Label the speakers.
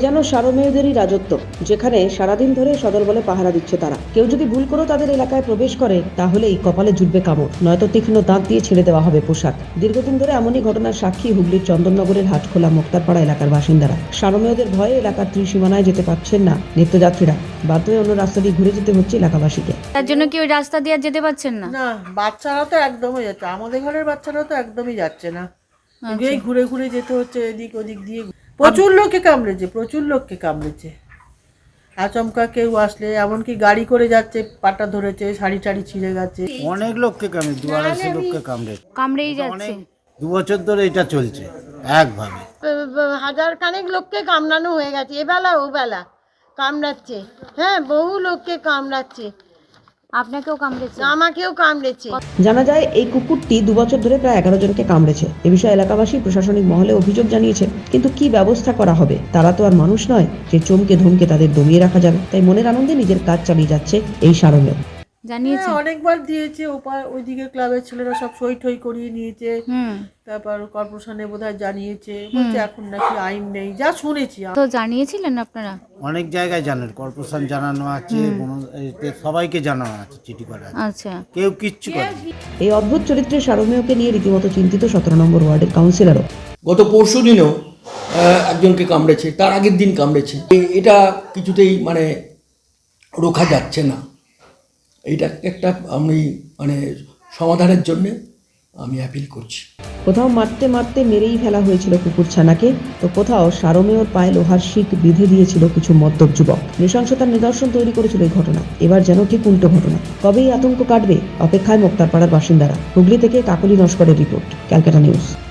Speaker 1: যেন সারমেয়দেরই রাজত্ব, যেখানে সারাদিন ধরে সদল বলে পাহারা দিচ্ছে তারা। কেউ যদি ভুল করেও তাদের এলাকায় প্রবেশ করে তাহলেই কপালে জুটবে কামড়, নয়তো তীক্ষ্ণ দাঁত দিয়ে ছেড়ে দেওয়া হবে পোশাক। দীর্ঘদিন ধরে এমনই ঘটনার সাক্ষী হুগলির চন্দননগরের হাটখোলা মোক্তারপাড়া এলাকার বাসিন্দারা। সারমেয়দের ভয়ে এলাকার ত্রিসীমানায় যেতে পারছেন না নিত্যযাত্রীরা, বাধ্য হয়ে অন্য রাস্তা দিয়ে ঘুরে যেতে হচ্ছে এলাকাবাসীকে।
Speaker 2: তার জন্য কি ওই রাস্তা দিয়ে আর যেতে পারছেন না?
Speaker 3: না, বাচ্চারা তো একদমই যাচ্ছে, আমাদের ঘরের বাচ্চারা তো একদমই যাচ্ছে না। এই ঘুরে ঘুরে যেতে হচ্ছে এদিক ওদিক দিয়ে। প্রচুর লোককে কামড়েছে। আচমকা কেউ আসলে, এমনকি গাড়ি করে যাচ্ছে, পাটা ধরেছে, শাড়ি টাড়ি ছিঁড়ে গেছে।
Speaker 4: অনেক লোককে কামড়ে, 200-250 লোককে
Speaker 2: কামড়েই যাচ্ছে।
Speaker 4: 2 বছর ধরে এটা চলছে একভাবে।
Speaker 5: হাজার খানেক লোককে কামড়ানো হয়ে গেছে, এবেলা ও বেলা কামড়াচ্ছে। হ্যাঁ, বহু লোককে কামড়াচ্ছে।
Speaker 2: আপনাকেও কামড়েছে?
Speaker 5: আমাকেও কামড়েছে।
Speaker 1: জানা যায় এই কুকুরটি 2 বছর ধরে প্রায় 11 জনকে কামড়েছে। এ বিষয়ে এলাকাবাসী প্রশাসনিক মহলে অভিযোগ জানিয়েছে, কিন্তু কি ব্যবস্থা করা হবে? তারা তো আর মানুষ নয় যে চমকে ধমকে তাদের দমিয়ে রাখা যাবে। তাই মনের আনন্দে নিজের কাজ চালিয়ে যাচ্ছে এই সারমেয়।
Speaker 2: জানিয়েছে?
Speaker 3: অনেকবার দিয়েছে, ওইদিকে ক্লাবের ছেলেরা সব সই ঠই করিয়ে নিয়েছে। তারপর কর্পোরেশনে বোধহয় জানিয়েছে, বলছে এখন নাকি আইন নেই, যা শুনেছি।
Speaker 2: তো জানিয়েছিলেন আপনারা?
Speaker 4: অনেক জায়গায় জানেন, কর্পোরেশন জানানো আছে, সবাইকে জানানো আছে, চিঠি করা আছে।
Speaker 2: আচ্ছা,
Speaker 4: কেউ কিচ্ছু করেনি।
Speaker 1: এই অদ্ভুত চরিত্রের সারমেয়কে নিয়ে রীতিমতো চিন্তিত 17 নম্বর ওয়ার্ডের কাউন্সিলরও।
Speaker 6: গত পরশু দিনও একজনকে কামড়েছে, তার আগের দিন কামড়েছে। এটা কিছুতেই রোখা যাচ্ছে না। এইটা একটা আমি সমাধানের জন্য আমি অ্যাপিল করছি।
Speaker 1: কোথাও মারতে মারতে মেরেই ফেলা হয়েছিল কুকুর ছানাকে, তো কোথাও সারমেয়র পায়ে লোহার শিক বেঁধে দিয়েছিল কিছু মদ্যপ যুবক। নৃশংসতার নিদর্শন তৈরি করেছিল এই ঘটনা। এবার যেন ঠিক উল্টো ঘটনা। কবেই আতঙ্ক কাটবে, অপেক্ষায় মোক্তারপাড়ার বাসিন্দারা। হুগলি থেকে কাকলি নস্করের রিপোর্ট, ক্যালকাটা নিউজ।